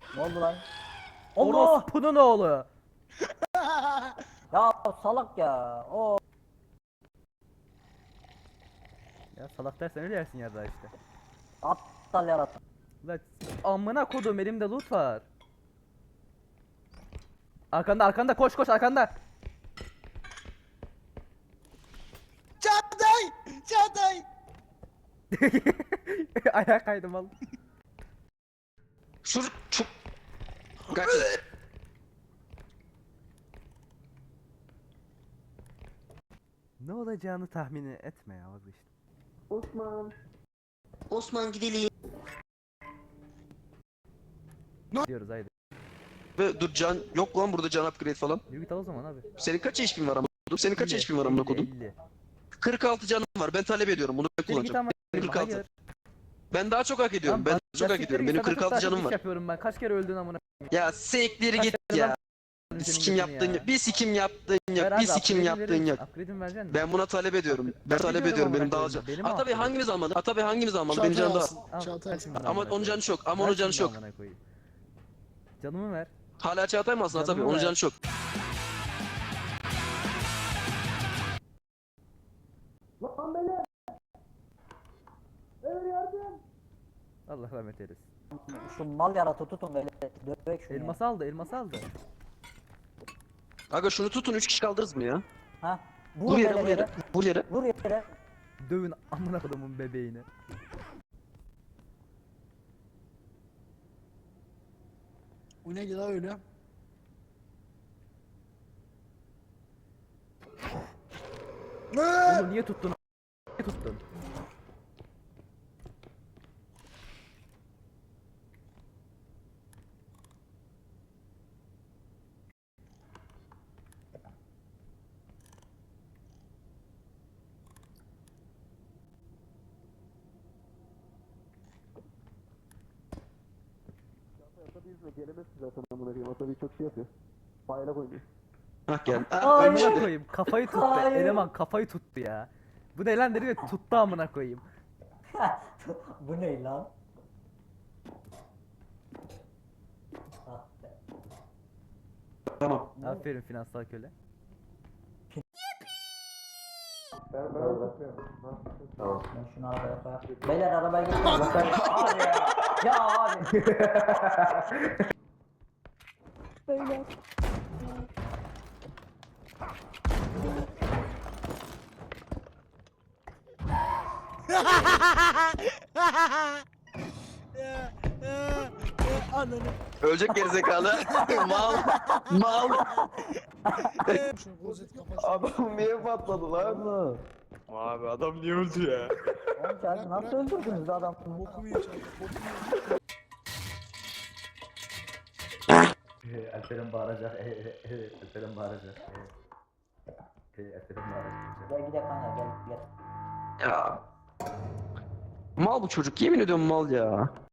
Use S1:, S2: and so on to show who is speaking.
S1: Ne oldu lan? Allah!
S2: Orospu'nun oğlu.
S1: Ya salak ya. O
S2: Ya salak dersen öyle yersin yarra işte.
S1: aptal yarattı.
S2: Lan amına kodum elimde loot var. Arkanda arkanda koş koş arkanda.
S3: Çağatay! Çağatay!
S2: Ayağa kaydım al.
S4: Sur çok kaç.
S2: Ne olacağını tahmin etme ya vazgeçtim.
S4: Osman gidelim.
S2: Diyoruz haydi.
S4: Ve dur can yok lan burada can upgrade falan.
S2: Yürü git al o zaman abi.
S4: Senin kaç HP'in var amına kodum? Senin kaç
S2: 50,
S4: HP'in var amına kodum?
S2: 50.
S4: 46 canım var. Ben talep ediyorum. Bunu ben
S2: Yürü git
S4: kullanacağım.
S2: ama.
S4: Benim 46.
S2: Hayır.
S4: Ben daha çok hak ediyorum.
S2: Lan
S4: Ben
S2: bak-
S4: daha çok
S2: ya
S4: hak ediyorum.
S2: siktir
S4: Benim
S2: git,
S4: 46
S2: sakız
S4: canım
S2: takip
S4: var.
S2: yapıyorum ben. Kaç kere öldün amına.
S4: Ya siktir
S2: Kaç
S4: git
S2: kere
S4: ya.
S2: lan
S4: Bir
S2: senin
S4: sikim
S2: götünü
S4: yaptın
S2: ya.
S4: yok. Bir sikim yaptın
S2: Ver
S4: yok. Bir
S2: abi,
S4: sikim
S2: upgrade'ini
S4: yaptın
S2: verir
S4: yok.
S2: misin? Upgrade'ini vereceksin mi?
S4: Ben buna talep ediyorum. Ben talep
S2: Upgrade
S4: ediyorum. Benim
S2: amına
S4: daha
S2: koyayım.
S4: can.
S2: Benim
S4: Ha tabii
S2: upgrade.
S4: hangimiz almadı? Ha tabii hangimiz almadı? Benim canım daha az.
S2: Al,
S3: Çağatay
S2: ver
S3: alsın.
S2: şimdi
S4: Ama
S2: amına
S4: onun canı
S2: koyayım.
S4: çok. Ama
S2: Ver
S4: onun canı
S2: şimdi
S4: çok.
S2: amına koyayım. Canımı ver.
S4: Hala Çağatay mı alsın? Ha tabii
S2: Canımı
S4: onun
S2: ver.
S4: canı çok.
S2: Allah rahmet eylesin.
S1: Şu mal yaratı tutun böyle dövek şunu ya.
S2: Elması aldı, elması aldı.
S4: Aga şunu tutun 3 kişi kaldırırız mı ya?
S1: Ha?
S4: Vur
S1: Vur
S4: yere
S1: böyle
S4: vur yere. Vur yere.
S1: Vur yere.
S2: Dövün amına kodumun bebeğini.
S3: O neydi la öyle?
S2: Onu niye tuttun? Niye tuttun?
S4: Hah gel.
S1: Ay.
S4: Ölmüş
S2: Amına
S4: bir de.
S2: koyayım kafayı tuttu.
S1: Hayır.
S2: Eleman kafayı tuttu ya. Bu ne lan dedi ve tuttu amına koyayım.
S1: Bu ne lan? Ah be.
S4: Tamam.
S2: Aferin finansal köle.
S1: Ben şunu arabaya koyayım. Beyler arabaya geçin. Abi ya. Ya abi. Beyler.
S3: Ananı.
S4: Ölecek gerizekalı. Mal. Mal.
S3: Şu rozet kafası.
S4: Adam niye patladı lan?
S5: Abi adam niye öldü ya?
S1: Oğlum sen nasıl öldürdünüz adamı?
S3: Bokumu ye Çağatay. Bokumu ye.
S2: Alperen bağıracak. Alperen bağıracak. Alperen bağıracak.
S1: Gel gidelim kanka gel gel.
S4: Ya. Mal bu çocuk. Yemin ediyorum mal ya.